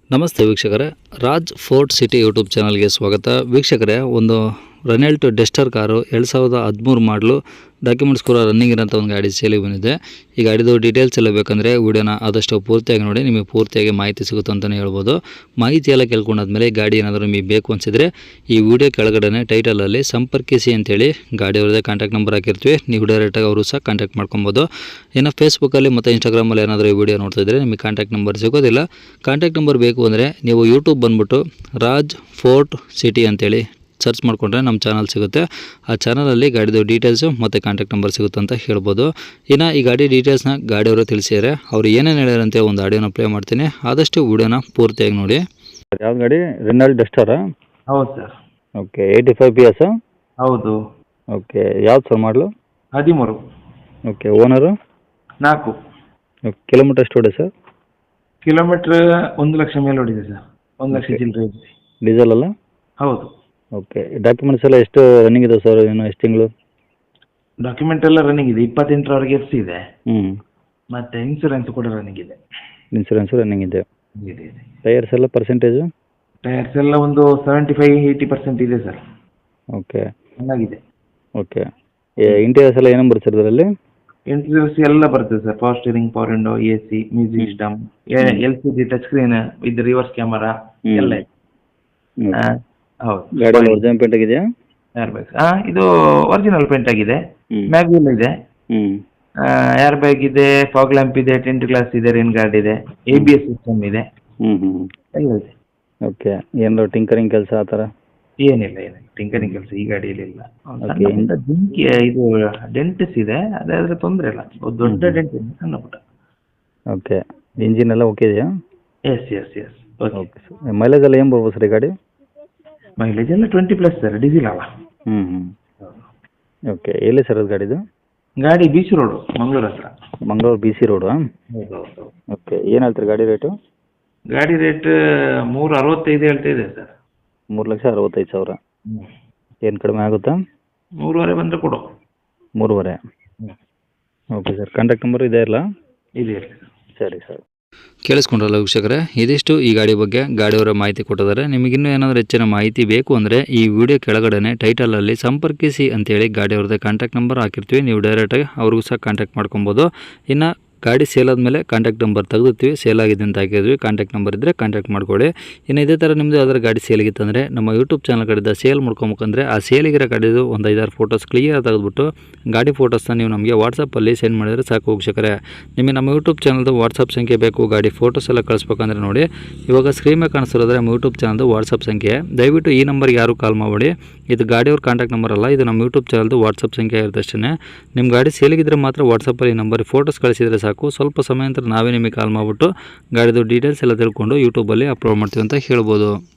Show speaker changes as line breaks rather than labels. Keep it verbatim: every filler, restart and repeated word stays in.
ನಮಸ್ತೆ ವೀಕ್ಷಕರೇ, Raj fort city YouTube ಚಾನಲ್ಗೆ ಸ್ವಾಗತ. ವೀಕ್ಷಕರೇ, ಒಂದು ರೆನಾಲ್ಟ್ ಡೆಸ್ಟರ್ ಕಾರು ಎರಡು ಸಾವಿರದ ಹದಿಮೂರು ಮಾಡಲು ಡಾಕ್ಯುಮೆಂಟ್ಸ್ ಕೂಡ ರನ್ನಿಂಗ್ ಇರೋಂಥ ಒಂದು ಗಾಡಿ ಸೇಲಿಗೆ ಬಂದಿದೆ. ಈ ಗಾಡಿದು ಡೀಟೇಲ್ಸ್ ಎಲ್ಲ ಬೇಕಂದರೆ ವಿಡಿಯೋನ ಆದಷ್ಟು ಪೂರ್ತಿಯಾಗಿ ನೋಡಿ, ನಿಮಗೆ ಪೂರ್ತಿಯಾಗಿ ಮಾಹಿತಿ ಸಿಗುತ್ತೆ ಅಂತಲೇ ಹೇಳ್ಬೋದು. ಮಾಹಿತಿ ಎಲ್ಲ ಕೇಳ್ಕೊಂಡಾದ್ಮೇಲೆ ಗಾಡಿ ಏನಾದರೂ ನಿಮಗೆ ಬೇಕು ಅನಿಸಿದರೆ ಈ ವಿಡಿಯೋ ಕೆಳಗಡೆ ಟೈಟಲಲ್ಲಿ ಸಂಪರ್ಕಿಸಿ ಅಂತೇಳಿ ಗಾಡಿಯವ್ರದ್ದೇ ಕಾಂಟ್ಯಾಕ್ಟ್ ನಂಬರ್ ಹಾಕಿರ್ತೀವಿ. ನೀವು ಡೈರೆಕ್ಟಾಗಿ ಅವರು ಸಹ ಕಾಂಟ್ಯಾಕ್ಟ್ ಮಾಡ್ಕೊಬೋದು. ಇನ್ನು ಫೇಸ್ಬುಕ್ಕಲ್ಲಿ ಮತ್ತು ಇನ್ಸ್ಟಾಗ್ರಾಮಲ್ಲಿ ಏನಾದರೂ ಈ ವಿಡಿಯೋ ನೋಡ್ತಿದ್ರೆ ನಿಮಗೆ ಕಾಂಟ್ಯಾಕ್ಟ್ ನಂಬರ್ ಸಿಗೋದಿಲ್ಲ. ಕಾಂಟ್ಯಾಕ್ಟ್ ನಂಬರ್ ಬೇಕು ಅಂದರೆ ನೀವು ಯೂಟ್ಯೂಬ್ ಬಂದುಬಿಟ್ಟು ರಾಜ್ ಫೋರ್ಟ್ ಸಿಟಿ ಅಂತೇಳಿ ಸರ್ಚ್ ಮಾಡಿಕೊಂಡ್ರೆ ನಮ್ಮ ಚಾನಲ್ ಸಿಗುತ್ತೆ. ಆ ಚಾನಲಲ್ಲಿ ಗಾಡಿದು ಡೀಟೇಲ್ಸು ಮತ್ತು ಕಾಂಟ್ಯಾಕ್ಟ್ ನಂಬರ್ ಸಿಗುತ್ತೆ ಅಂತ ಹೇಳ್ಬೋದು. ಇನ್ನು ಈ ಗಾಡಿ ಡೀಟೇಲ್ಸ್ನ ಗಾಡಿಯವರು ತಿಳಿಸಿದ್ದಾರೆ. ಅವರು ಏನೇನು ಹೇಳ್ಯಾರಂತೆ ಒಂದು ಆಡಿಯೋನ ಪ್ಲೇ ಮಾಡ್ತೀನಿ, ಆದಷ್ಟು ವಿಡಿಯೋನ ಪೂರ್ತಿಯಾಗಿ ನೋಡಿ. ಯಾವ್ದು ಗಾಡಿ? ರೆನಾಲ್ಟ್ ಡೆಸ್ಟರಾ?
ಹೌದು sir.
Okay, eighty five P S?
ಹೌದು.
ಓಕೆ, ಯಾವ್ದು ಸರ್ ಮಾಡಲು?
ಹದಿಮೂರು.
Okay, owner?
ನಾಲ್ಕು.
ಓಕೆ, ಕಿಲೋಮೀಟರ್ ಎಷ್ಟು ಹೊಡೆ ಸರ್?
ಕಿಲೋಮೀಟ್ರ್ ಒಂದು ಲಕ್ಷ ಮೇಲೆ ಹೊಡಿದೆ ಸರ್. ಒಂದು ಲಕ್ಷ ಚಿಲ್ಲರೆ ಇದೆ.
ಡೀಸೆಲ್ ಅಲ್ಲ?
ಹೌದು.
ಓಕೆ, ಡಾಕ್ಯುಮೆಂಟ್ಸ್ ಎಲ್ಲ ಎಷ್ಟು ರನ್ನಿಂಗ್ ಇದೆ ಸರ್? ಇನ್ನು ಎಷ್ಟು ತಿಂಗಳು?
ಡಾಕ್ಯುಮೆಂಟ್ ಎಲ್ಲ ರನ್ನಿಂಗ್ ಇದೆ. ಇಪ್ಪತ್ತೆಂಟರವರೆಗೆ ಎಫ್ ಸಿ ಇದೆ.
ಹ್ಞೂ.
ಮತ್ತು ಇನ್ಸೂರೆನ್ಸ್ ಕೂಡ ರನ್ನಿಂಗ್ ಇದೆ.
ಇನ್ಸೂರೆನ್ಸು ರನ್ನಿಂಗ್ ಇದೆ.
ಇದೆ ಇದೆ.
ಟೈರ್ಸ್ ಎಲ್ಲ ಪರ್ಸೆಂಟೇಜು?
ಟೈರ್ಸ್ ಎಲ್ಲ ಒಂದು ಸೆವೆಂಟಿ ಫೈವ್ ಏಯ್ಟಿ ಪರ್ಸೆಂಟ್ ಇದೆ ಸರ್.
ಓಕೆ.
ಚೆನ್ನಾಗಿದೆ.
ಓಕೆ, ಇಂಟೀರಿಯರ್ಸ್ ಎಲ್ಲ ಏನೇನು ಬರುತ್ತೆ ಸರ್ ಇದರಲ್ಲಿ?
ಇಂಟೀರಿಯರ್ಸ್ ಎಲ್ಲ ಬರ್ತದೆ sir. Power steering, power window, A C, music system, L C G touch screen, ಇದು ರಿವರ್ಸ್ ಕ್ಯಾಮರಾ ಎಲ್ಲ ಇದೆ. ಹಾಂ, ಹೌದು.
ಗಾಡಿ ಒರಿಜಿನಲ್ ಪೇಂಟ್ ಆಗಿದೆಯಾ?
ಏರ್ ಬ್ಯಾಗ್ಸ್ ಹಾಂ, ಇದು ಒರಿಜಿನಲ್ ಪೇಂಟ್ ಆಗಿದೆ.
ಹ್ಞೂ.
ಮ್ಯಾಗ್ವಿಲ್ ಇದೆ.
ಹ್ಞೂ.
ಏರ್ ಬ್ಯಾಗ್ ಇದೆ, ಫಾಗ್ ಲ್ಯಾಂಪ್ ಇದೆ, ಟೆಂಟ್ ಗ್ಲಾಸ್ ಇದೆ, ರೇನ್ ಗಾರ್ಡ್ ಇದೆ, ಎ ಬಿ ಎಸ್ ಸಿಸ್ಟಮ್ ಇದೆ.
ಹ್ಞೂ ಹ್ಞೂ
ಎಲ್ಲ ಇದೆ.
ಓಕೆ, ಏನಾದ್ರು ಟಿಂಕರಿಂಗ್ ಕೆಲಸ ಆ ಥರ?
ಏನಿಲ್ಲ ಏನಿಲ್ಲ ಟಿಂಕರಿಂಗ್ ಕೆಲಸ ಈ ಗಾಡಿಯಲ್ಲಿ ಇಲ್ಲ. ಒಂದು
Okay.
ಸಣ್ಣ ಪುಟ್ಟ ಜಿಂಕಿ ಇದು ಡೆಂಟ್ಸ್ ಇದೆ, ಅದಾದರೆ ತೊಂದರೆ ಇಲ್ಲ. ಒಂದು ದೊಡ್ಡ ಡೆಂಟ್ ಇದೆ, ಸಣ್ಣ ಪುಟ್ಟ.
ಓಕೆ, ಇಂಜಿನ್ ಎಲ್ಲ ಓಕೆ ಇದೆಯಾ?
Yes yes yes okay.
Okay sir. Mileage ಎಲ್ಲ ಏನು ಬರ್ಬೋದು ಸರ್ ಈ ಗಾಡಿ?
ಮೈಲೇಜ್ ಎಲ್ಲ ಟ್ವೆಂಟಿ ಪ್ಲಸ್ ಸರ್, ಡೀಸೆಲ್ ಅಲ್ಲ.
ಹ್ಞೂ ಹ್ಞೂ ಓಕೆ, ಎಲ್ಲಿ ಸರ್ ಅದು ಗಾಡಿದು?
ಗಾಡಿ ಬೀಚ್ ರೋಡು, ಮಂಗಳೂರು ಹತ್ರ.
Mangaluru B C road?
ಹೌದು ಹೌದು.
ಓಕೆ, ಏನು ಹೇಳ್ತೀರಿ ಗಾಡಿ ರೇಟು?
ಗಾಡಿ ರೇಟ್ ಮೂರು ಅರವತ್ತೈದು ಹೇಳ್ತಾ ಇದೆ ಸರ್.
ಮೂರು ಲಕ್ಷ ಅರವತ್ತೈದು ಸಾವಿರ. ಏನು ಕಡಿಮೆ ಆಗುತ್ತಾ?
ಮೂರುವರೆ ಬಂದರೆ ಕೊಡು.
ಮೂರುವರೆ?
ಹ್ಞೂ.
ಓಕೆ ಸರ್, ಕಾಂಟ್ಯಾಕ್ಟ್ ನಂಬರ್ ಇದೆ ಅಲ್ಲ?
ಇದೆ ಇರಲಿ ಸರ್.
ಸರಿ ಸರ್. ಕೇಳಿಸ್ಕೊಂಡ್ರಲ್ಲ ವೀಕ್ಷಕರೇ, ಇದಿಷ್ಟು ಈ ಗಾಡಿ ಬಗ್ಗೆ ಗಾಡಿಯವರ ಮಾಹಿತಿ ಕೊಟ್ಟಿದ್ದಾರೆ. ನಿಮಗಿನ್ನೂ ಏನಾದರೂ ಹೆಚ್ಚಿನ ಮಾಹಿತಿ ಬೇಕು ಅಂದರೆ ಈ ವಿಡಿಯೋ ಕೆಳಗಡೆ ಟೈಟಲಲ್ಲಿ ಸಂಪರ್ಕಿಸಿ ಅಂತೇಳಿ ಗಾಡಿಯವ್ರದ್ದೇ ಕಾಂಟ್ಯಾಕ್ಟ್ ನಂಬರ್ ಹಾಕಿರ್ತೀವಿ. ನೀವು ಡೈರೆಕ್ಟಾಗಿ ಅವ್ರಿಗೂ ಸಹ ಕಾಂಟ್ಯಾಕ್ಟ್ ಮಾಡ್ಕೊಬೋದು. ಇನ್ನು ಗಾಡಿ ಸೇಲ್ ಆದಮೇಲೆ ಕಾಂಟ್ಯಾಕ್ಟ್ ನಂಬರ್ ತೆಗೆದುತ್ತೀವಿ. ಸೇಲ್ ಆಗಿದೆ ಅಂತ ಹಾಕಿದ್ವಿ. ಕಾಂಟ್ಯಾಕ್ಟ್ ನಂಬರ್ ಇದ್ದರೆ ಕಾಂಟ್ಯಾಕ್ಟ್ ಮಾಡ್ಕೊಳ್ಳಿ. ಇನ್ನು ಇದೇ ಥರ ನಿಮ್ಮದು ಯಾವ್ದಾದ್ರು ಗಾಡಿ ಸೇಲಿಗಿತ್ತಂದರೆ ನಮ್ಮ ಯೂಟ್ಯೂಬ್ ಚಾನಲ್ ಕಡೆಯಿಂದ ಸೇಲ್ ಮಾಡ್ಕೊಬೇಕಂದ್ರೆ ಆ ಸೇಲಿಗಿರೋ ಗಾಡಿದು ಒಂದು ಐದಾರು ಫೋಟೋಸ್ ಕ್ಲಿಯರ್ ತೆಗೆದುಬಿಟ್ಟು ಗಾಡಿ ಫೋಟೋಸ್ನ ನೀವು ನಮಗೆ ವಾಟ್ಸಪ್ಪಲ್ಲಿ ಸೆಂಡ್ ಮಾಡಿದರೆ ಸಾಕು ವೀಕ್ಷಕರೇ. ನಿಮಗೆ ನಮ್ಮ ಯೂಟ್ಯೂಬ್ ಚಾನಲ್ದು ವಾಟ್ಸಪ್ ಸಂಖ್ಯೆ ಬೇಕು, ಗಾಡಿ ಫೋಟೋಸ್ ಎಲ್ಲ ಕಳಿಸ್ಬೇಕಂದ್ರೆ ನೋಡಿ ಇವಾಗ ಸ್ಕ್ರೀನ್ ಮೇಲೆ ಕಾಣಿಸ್ತಿರೋದ್ರೆ ನಮ್ಮ ಯೂಟ್ಯೂಬ್ ಚಾನಲ್ದು ವಾಟ್ಸಪ್ ಸಂಖ್ಯೆ. ದಯವಿಟ್ಟು ಈ ನಂಬರ್ಗೆ ಯಾರು ಕಾಲ್ ಮಾಡಬೇಡಿ. ಇದು ಗಾಡಿಯವ್ರ ಕಾಂಟ್ಯಾಕ್ಟ್ ನಂಬರ್ ಅಲ್ಲ, ಇದು ನಮ್ಮ ಯೂಟ್ಯೂಬ್ ಚಾನಲ್ದು ವಾಟ್ಸಪ್ ಸಂಖ್ಯೆ ಇರುತ್ತೆ ಅಷ್ಟೇ. ನಿಮ್ಮ ಗಾಡಿ ಸೇಲಿಗಿದ್ರೆ ಮಾತ್ರ ವಾಟ್ಸಪ್ಪಲ್ಲಿ ಈ ನಂಬರ್ ಫೋಟೋಸ್ ಕಳಿಸಿದರೆ ಸಾಕು. ಸ್ವಲ್ಪ ಸಮಯ ನಂತರ ನಾವೇ ನಿಮಗೆ ಕಾಲ್ ಮಾಡಿಬಿಟ್ಟು ಗಾಡಿದು ಡೀಟೇಲ್ಸ್ ಎಲ್ಲ ತಿಳ್ಕೊಂಡು ಯೂಟ್ಯೂಬಲ್ಲಿ ಅಪ್ಲೋಡ್ ಮಾಡ್ತೀವಿ ಅಂತ ಹೇಳ್ಬೋದು.